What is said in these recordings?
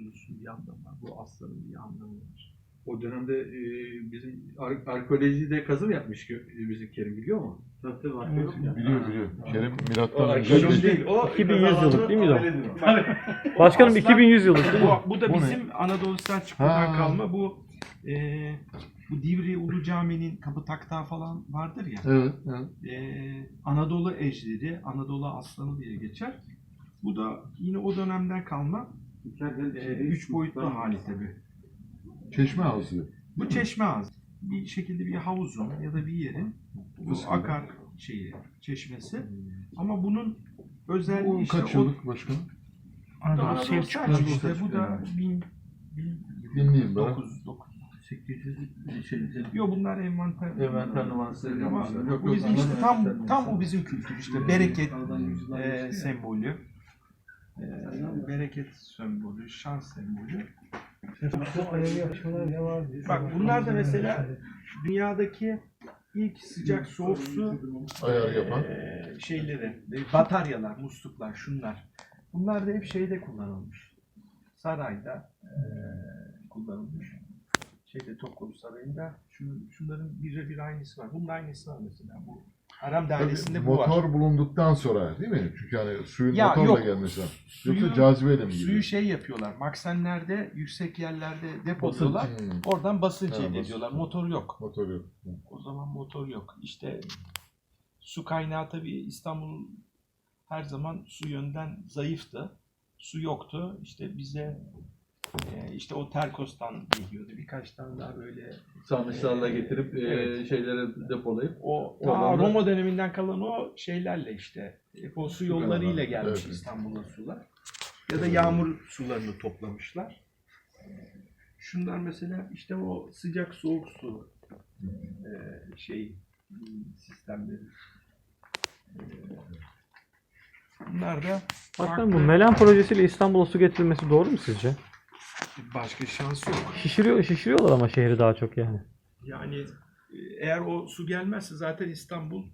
kuzusunun bir anlamı var. Bu aslanın bir anlamı var. O dönemde bizim arkeolojide kazı mı yapmış ki bizim Kerim biliyor mu? Tabii var. Biliyor. Kerim milattan Arkeoloji önce değil. O 2100 yıllık değil miydi o? Tabii. Başkanım Aslan- 2100 yıllık değil mi? Bu da Bu bizim Anadolu Selçuklu'dan Ha. kalma bu Divriği Ulu Cami'nin kapı taktağı falan vardır ya. Evet. Anadolu ejderi, Anadolu aslanı diye geçer. Bu da yine o dönemden kalma 3 boyutlu hali tabii. Çeşme ağzı. Bu çeşme ağzı. Bir şekilde bir havuzun ya da bir yerin bu akar çeşmesi. Ama bunun özelliği Bu işte kaç yıllık başkanım? Anadolu Selçuklu işte bu da Dinleyeyim ben. 800 şey, Yok bunlar envanter. envanter numarası Ama yapmışlar. Yok, bu yok, bizim işte anladım. tam o bizim kültür işte bereket sembolü. Bereket sembolü, şans sembolü. Bak bunlar da mesela dünyadaki ilk sıcak soğuk su Ayar yapan. şeyleri, bataryalar, musluklar, şunlar. Bunlar da hep şeyde kullanılmış. Sarayda kullanılmış. Topkapı Sarayı'nda şunların birebir aynısı var. Bunun aynısı var mesela. Bu Harem Dairesi'nde bu var. Motor bulunduktan sonra değil mi? Çünkü hani suyun Ya motorla yok. gelmesi lazım. Suyu- Yoksa cazibeyle mi Suyu geliyor? şey yapıyorlar. Maksenlerde, yüksek yerlerde depoluyorlar. Basınç. Oradan basınç Ha, elde basınç. ediyorlar. Motor yok. Motor yok. O zaman motor yok. İşte su kaynağı tabii İstanbul her zaman su yönden zayıftı. Su yoktu. İşte bize işte o Terkos'tan geliyordu. Birkaç tane daha böyle Sarnıçlarla getirip Evet. şeylere depolayıp o Oradan da- Roma döneminden kalan o şeylerle işte o su yollarıyla gelmiş Evet. İstanbul'a sular. Ya da yağmur sularını toplamışlar. Şunlar mesela işte o sıcak soğuk su sistemleri. Bunlar da Başkanım bu Melan projesiyle İstanbul'a su getirilmesi doğru mu sizce? başka şans yok. Şişiriyorlar ama şehri daha çok yani. Yani eğer o su gelmezse zaten İstanbul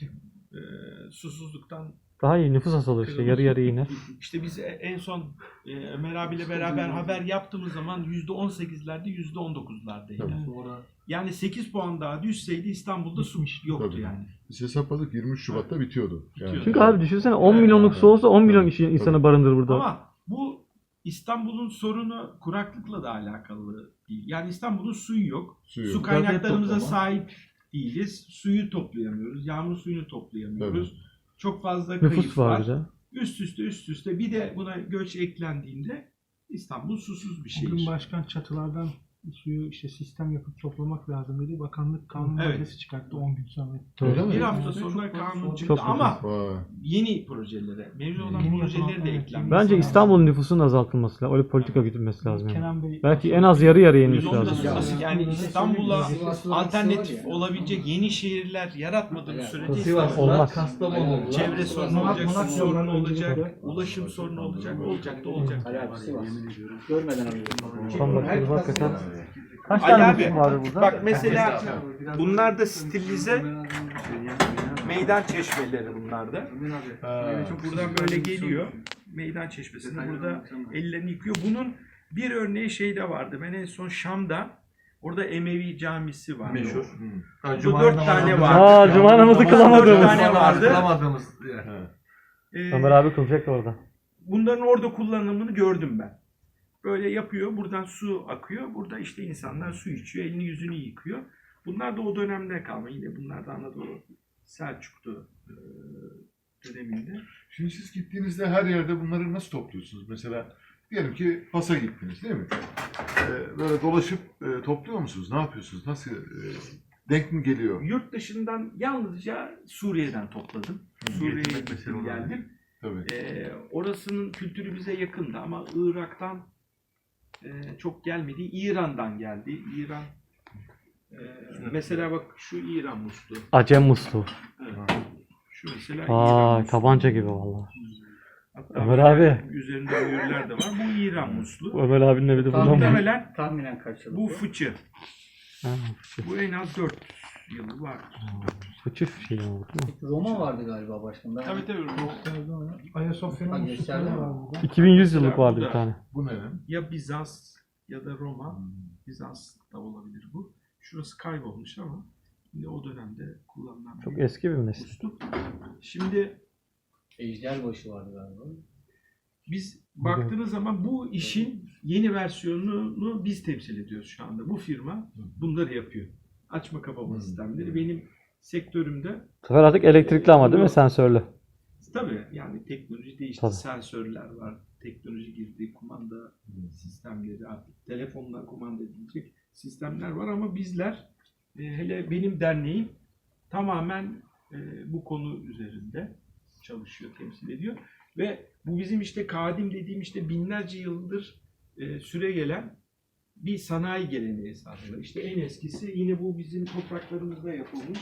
susuzluktan Daha iyi nüfus azalır işte yarı yarıya iner. İşte biz en son Ömer abiyle beraber haber yaptığımız zaman %18'lerde %19'lardaydı. Yani 8 puan daha düşseydi İstanbul'da su yoktu Tabii. yani. Biz hesapladık 23 Şubat'ta bitiyordu. Yani. Çünkü abi düşünsene 10 milyonluk su olsa 10 milyon insanı barındırır burada. Ama bu İstanbul'un sorunu kuraklıkla da alakalı değil. Yani İstanbul'un suyu yok. Suyu Su yok. kaynaklarımıza Toplama. sahip değiliz. Suyu toplayamıyoruz. Yağmur suyunu toplayamıyoruz. Çok fazla kayıp Nüfus var bir de. Üst üste bir de buna göç eklendiğinde İstanbul susuz bir şehir. Bugün başkan çatılardan suyu işte sistem yapıp toplamak lazım dedi. Bakanlık kanun Evet. maddesi çıkarttı 10 gün sonra. Öyle mi? Bir hafta Çok sonra fazla kanun sorun. çıktı Çok ama Vay. yeni projelere, mevcut olan Yeni projeleri de yapılan, evet. eklenmesi Bence lazım. İstanbul'un nüfusunun azaltılması lazım. Öyle politika güdülmesi lazım. Yani. Kenan Bey Belki en az yarı yarıya inmesi Biz onu da lazım. söylüyoruz. Yani İstanbul'a alternatif olabilecek yeni şehirler yaratmadığımız sürece Sivas İstanbul'da Olmaz. Kastamonu oldu. çevre sorunu olacak, su Malatya sorunu önce olacak, de- ulaşım sorunu olacak, olacak da olacak. Görmeden alıyorum. Tam bakıyoruz hakikaten. Kaç Ali tane abi, nüfus var burada? bak mesela bunlar da stilize meydan çeşmeleri bunlar da. Buradan böyle geliyor. Meydan çeşmesinde burada ellerini yıkıyor. Bunun bir örneği şeyde vardı. Ben en son Şam'da orada Emevi camisi var. Meşhur. Bu 4 tane vardı. Aa, cuma namazı Dört kılamadığımız. tane vardı. Kılamadığımız. Ömer abi kılacak da orada. Bunların orada kullanımını gördüm ben. Böyle yapıyor. Buradan su akıyor. Burada işte insanlar su içiyor. Elini yüzünü yıkıyor. Bunlar da o dönemde kalma. Yine bunlar da Anadolu Selçuklu döneminde. Şimdi siz gittiğinizde her yerde bunları nasıl topluyorsunuz? Mesela diyelim ki Fas'a gittiniz değil mi? Böyle dolaşıp topluyor musunuz? Ne yapıyorsunuz? Nasıl denk mi geliyor? Yurt dışından yalnızca Suriye'den topladım. Suriye'ye gittim geldim. Tabii. Orasının kültürü bize yakındı ama Irak'tan çok gelmedi. İran'dan geldi. İran mesela bak şu İran musluğu. Acem musluğu. Evet. Şu mesela İran Aa, musluğu. tabanca gibi vallahi. Hatta Ömer böyle abi. üzerinde mühürler de var. Bu İran musluğu. Ömer abinin evi de bundan mı? Muhtemelen Tahminen kaç yıl? bu fıçı. Ha, Bu en az 4 yılı var. Uçuş şeyi oldu değil mi? Roma vardı galiba başkanım. Ben Tabii tabii. Ayasofya'nın gösterdi mi? var burada. 2100 yıllık vardı Bu bir da- tane. Bu ne lan? Ya Bizans ya da Roma. Bizans da olabilir bu. Şurası kaybolmuş ama yine o dönemde kullanılan Çok bir eski bir meslek. musluk. Şimdi Ejderbaşı vardı galiba. biz baktığınız zaman bu işin yeni versiyonunu biz temsil ediyoruz şu anda. Bu firma bunları yapıyor. Açma kapama sistemleri. Benim sektörümde Bu sefer artık elektrikli ama değil mi? Sensörlü. tabii yani teknoloji değişti. Tabii. Sensörler var. Teknoloji girdi. Kumanda sistemleri artık telefonla kumanda edilecek sistemler var ama bizler hele benim derneğim tamamen bu konu üzerinde çalışıyor, temsil ediyor. Ve bu bizim işte kadim dediğim işte binlerce yıldır süre gelen bir sanayi geleneği esasında. İşte en eskisi yine bu bizim topraklarımızda yapılmış.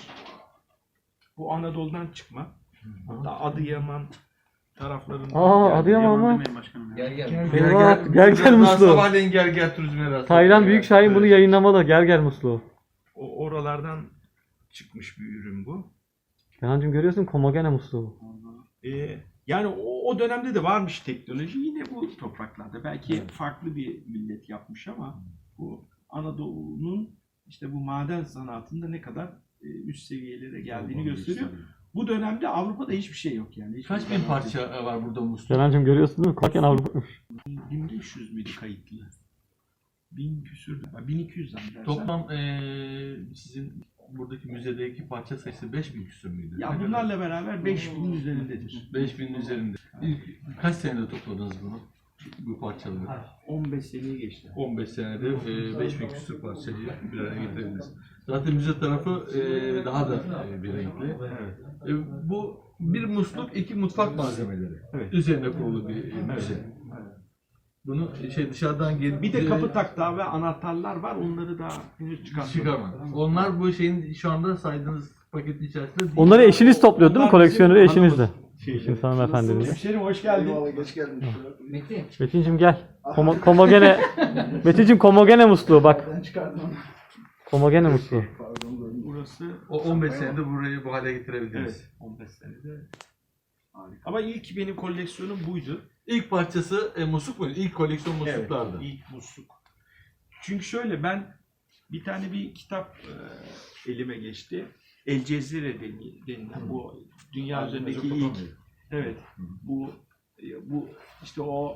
Bu Anadolu'dan çıkma. Hatta Adıyaman taraflarında. Aa, Adıyaman mı? Gel gel. Eyvah, gel musluğu. Sabahleyin gel turizme rast. Taylan Büyükşahin bunu yayınlamalı. Gel musluğu. Oralardan çıkmış bir ürün bu. Kenancığım görüyorsun Komagene musluğu. Yani o dönemde de varmış teknoloji yine bu topraklarda. Belki farklı bir millet yapmış ama bu Anadolu'nun işte bu maden sanatında ne kadar üst seviyelere geldiğini gösteriyor. Bu dönemde Avrupa'da hiçbir şey yok yani. Hiçbir Kaç bin parça var burada musluk? Kenancığım görüyorsun değil mi? Komagene Avrupa. 1500 müydü kayıtlı? 1000 küsür, 1200 zannedersem. Toplam sizin buradaki müzedeki parça sayısı 5000 küsur müydü? Ya bunlarla beraber 5000'in üzerindedir. 5000'in üzerinde. Kaç senede topladınız bunu? Bu parçaları? 15 seneyi geçti. 15 senede 5000 küsur parçayı bir araya getirebildiniz. Zaten müze tarafı daha da bir renkli. Bu bir musluk, iki mutfak malzemeleri. Evet. Üzerine kurulu bir müze. Bunu dışarıdan gelip Bir de kapı taktağı ve anahtarlar var. Onları daha henüz çıkartmadık. çıkarma. Onlar bu şeyin şu anda saydığınız paketin içerisinde değil. Onları eşiniz topluyor değil mi? Onlar Koleksiyoneri bizim eşinizde. Şey, Şimdi hanımefendinin. Hemşerim hoş geldin. Geç geldin. Metin. Metin'cim gel. Komagene. Metin'cim Komagene musluğu bak. Ben çıkardım onu. Komagene musluğu. Pardon. Burası O 15 senede burayı bu hale getirebildiniz. evet 15 senede. Harika. Ama ilk benim koleksiyonum buydu. İlk parçası musluk muydu? İlk koleksiyon musluklardı. Evet, ilk musluk. Çünkü şöyle ben bir tane bir kitap elime geçti. El Cezire denilen bu dünya üzerindeki ilk evet bu işte o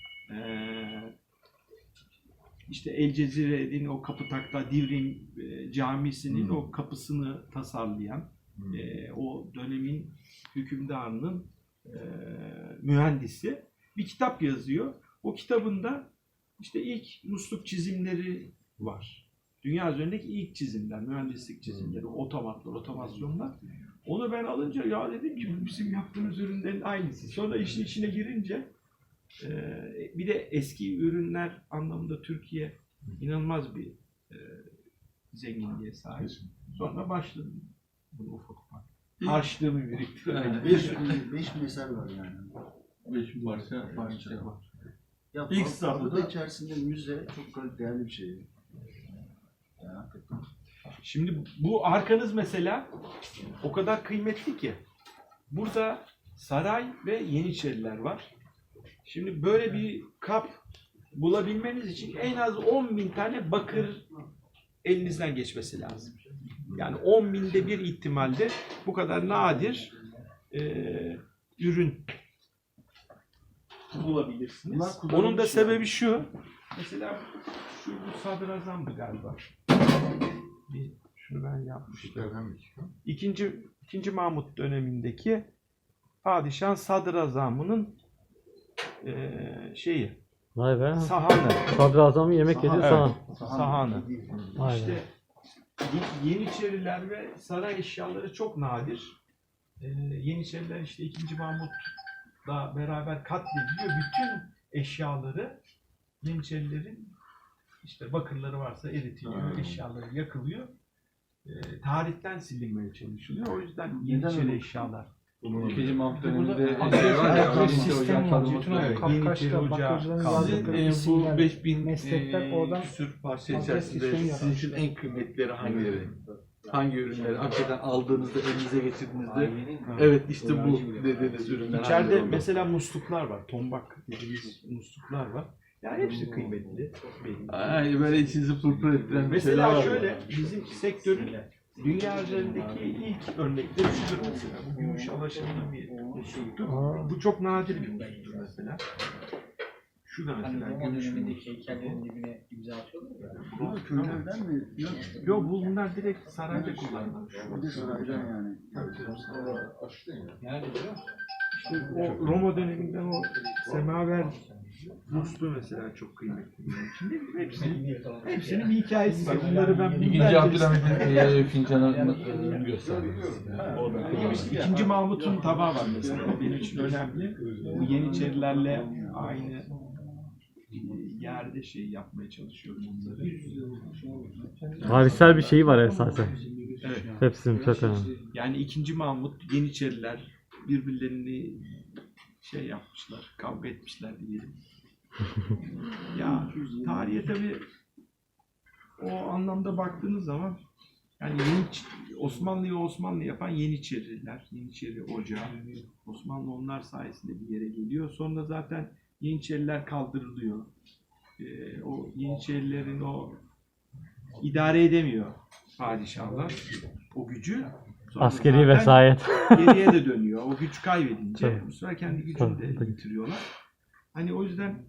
işte El Cezire'nin o kapı takta Divrim camisinin o kapısını tasarlayan o dönemin hükümdarının mühendisi bir kitap yazıyor. O kitabında işte ilk musluk çizimleri var. Dünya üzerindeki ilk çizimler, mühendislik çizimleri, otomatlar, otomasyonlar. Onu ben alınca ya dedim ki bu bizim yaptığımız ürünlerin aynısı. Sonra işin içine girince bir de eski ürünler anlamında Türkiye inanılmaz bir zenginliğe sahip. Sonra başladım bunu ufak ufak. Harçlığımı biriktirmeye. 5000 eser var yani. 5 parça var. Ya İlk İlk safhada- da içerisinde müze çok değerli bir şey. Yani hakikaten. Şimdi bu arkanız mesela o kadar kıymetli ki. Burada saray ve Yeniçeriler var. Şimdi böyle bir kap bulabilmeniz için en az 10.000 tane bakır elinizden geçmesi lazım. Yani 10.000'de bir ihtimalle bu kadar nadir ürün bulabilirsiniz. Bunlar Onun da kullanılmış sebebi şu. Mesela bu sadrazamdı galiba. Şunu ben yapmıştım. İkinci Mahmut dönemindeki padişah sadrazamının şeyi Vay be. sahanı. Sadrazamın yemek yediği sahan. Sahanı. Vay be. İşte Yeniçeriler ve saray eşyaları çok nadir. Yeniçeriler işte 2. Mahmut'la beraber katlediliyor. Bütün eşyaları Yeniçerilerin işte bakırları varsa eritiliyor, eşyaları yakılıyor. Tarihten silinmeye çalışılıyor. O yüzden Yeniçeri eşyalar. İkinci Mahmut Burada döneminde bir sistem var. Bütün o Evet, Kafkaş'ta Yeniçeri Ocağı bakırcıların kaldı. yazdıkları Sizin bu isimler, 5000 meslekler oradan küsür parça adres içerisinde sistemi sizin için en kıymetlileri hangileri? hangi ürünleri hakikaten aldığınızda, elinize geçirdiğinizde evet işte bu dediğiniz ürünler. İçeride hangi oldu? mesela musluklar var. Tombak dediğimiz musluklar var. Yani hepsi kıymetli. Benim. Ay, böyle içinizi pırpır ettiren bir şeyler Mesela var. şöyle bizim sektörün dünya üzerindeki ilk örnekleri şudur mesela. Bu gümüş alaşımlı bir musluktur. Bu çok nadir bir musluktur mesela. Şu da Hani mesela Roma gümüş bir dönemindeki heykellerin dibine imza atıyorlar ya. Bunlar köylerden mi? Yok. Yok, bunlar direkt sarayda kullanılmış. Bir de saraydan yani. Nerede biliyor musun? İşte o Roma döneminden o semaver musluğu mesela çok kıymetli. Şimdi hepsinin bir hikayesi var. Bunları ben İkinci Abdülhamit'in fincanını göstermek İkinci Mahmut'un tabağı var mesela. Benim için önemli. Bu Yeniçerilerle aynı yerde şey yapmaya çalışıyorum bunları. Tarihsel bir şeyi var esasen. Evet. Hepsinin çok önemli. Yani 2. Mahmut, Yeniçeriler birbirlerini şey yapmışlar, kavga etmişler diyelim. Ya tarihe tabii o anlamda baktığınız zaman yani Osmanlı'yı Osmanlı yapan Yeniçeriler, Yeniçeri Ocağı. Osmanlı onlar sayesinde bir yere geliyor. Sonra zaten Yeniçeriler kaldırılıyor. O Yeniçerilerin o idare edemiyor padişahlar o gücü. Sonra Askeri zaten vesayet. geriye de dönüyor. O güç kaybedince Tabii. bu sefer kendi gücünü de Tabii. yitiriyorlar. Hani o yüzden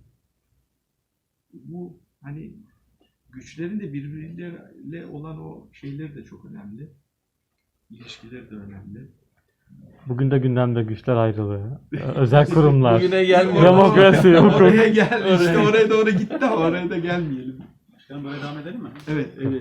bu hani güçlerin de birbirleriyle olan o şeyleri de çok önemli. İlişkileri de önemli. Bugün de gündemde güçler ayrılığı. Özel kurumlar. Bugüne gelmiyor. Demokrasi, hukuk. Oraya gel. İşte oraya doğru gitti ama oraya da gelmeyelim. Başkanım böyle devam edelim mi? Evet, evet.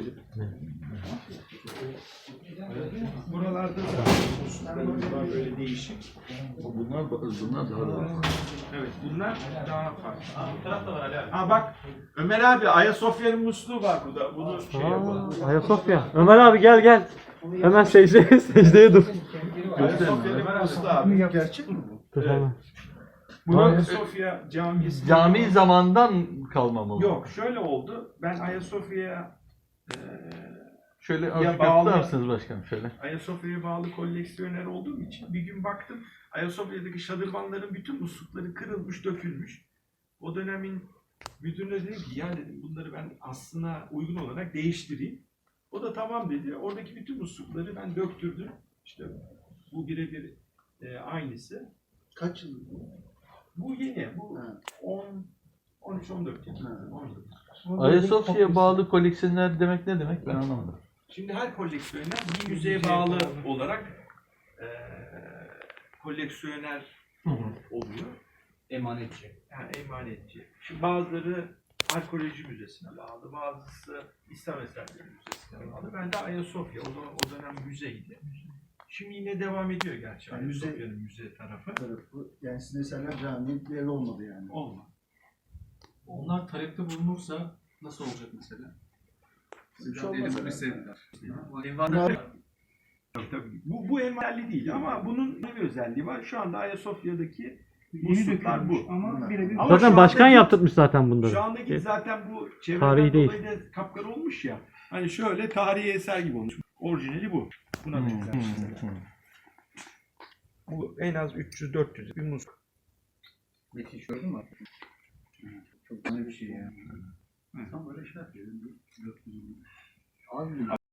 Buralarda da musluklarımız var böyle değişik. Bunlar daha da. Evet, bunlar daha farklı. Ha bak, Ömer abi Ayasofya'nın musluğu var burada. Bunu şey yapalım. Ayasofya. Ömer abi gel gel. Hemen secdeye dur. Ayasofya'nın musluğu abi. Gerçek mi bu? Dur hemen. Bu Ayasofya Camisi. Cami zamandan kalma mı? Yok, şöyle oldu. Ben Ayasofya'ya Şöyle Ya azıcık bağlı- atlarsınız başkanım şöyle. Ayasofya'ya bağlı koleksiyoner olduğum için bir gün baktım Ayasofya'daki şadırvanların bütün muslukları kırılmış, dökülmüş. O dönemin müdürüne dedim ki ya dedim bunları ben aslına uygun olarak değiştireyim. O da tamam dedi. Oradaki bütün muslukları ben döktürdüm. İşte bu birebir aynısı. Kaç yıl bu? Bu yeni. Bu Ha. 13-14 yıl. Ha. 14. Ayasofya'ya bağlı koleksiyoner demek ne demek ben anlamadım. Şimdi her koleksiyoner bir müzeye bağlı olarak koleksiyoner oluyor. Emanetçi. Yani emanetçi. Şimdi bazıları arkeoloji müzesine bağlı, bazısı İslam Eserleri Müzesi'ne bağlı. Ben de Ayasofya, o dönem müzeydi. Şimdi yine devam ediyor gerçi. Yani müze- Ayasofya'nın müze tarafı. Tarafı, yani sizin eserler camiye bir ev olmadı yani. Olma. Onlar talepte bulunursa nasıl olacak mesela? Bir şey olmaz Tabii, tabii. Bu envalli değil ama bunun ne bir özelliği var? Şu anda Ayasofya'daki musluklar bu. Ama birebir Ama Zaten şu başkan andaki- yaptırmış zaten bunları. Şu andaki zaten bu Tarihi çevreden değil. dolayı da kapkara olmuş ya. Hani şöyle tarihi eser gibi olmuş. Orijinali bu. Buna benzer şeyler. Bu en az 300-400 bir musluk. Müthiş gördün mü? Çok güzel bir şey ya. Tam böyle şey yapıyor. Abi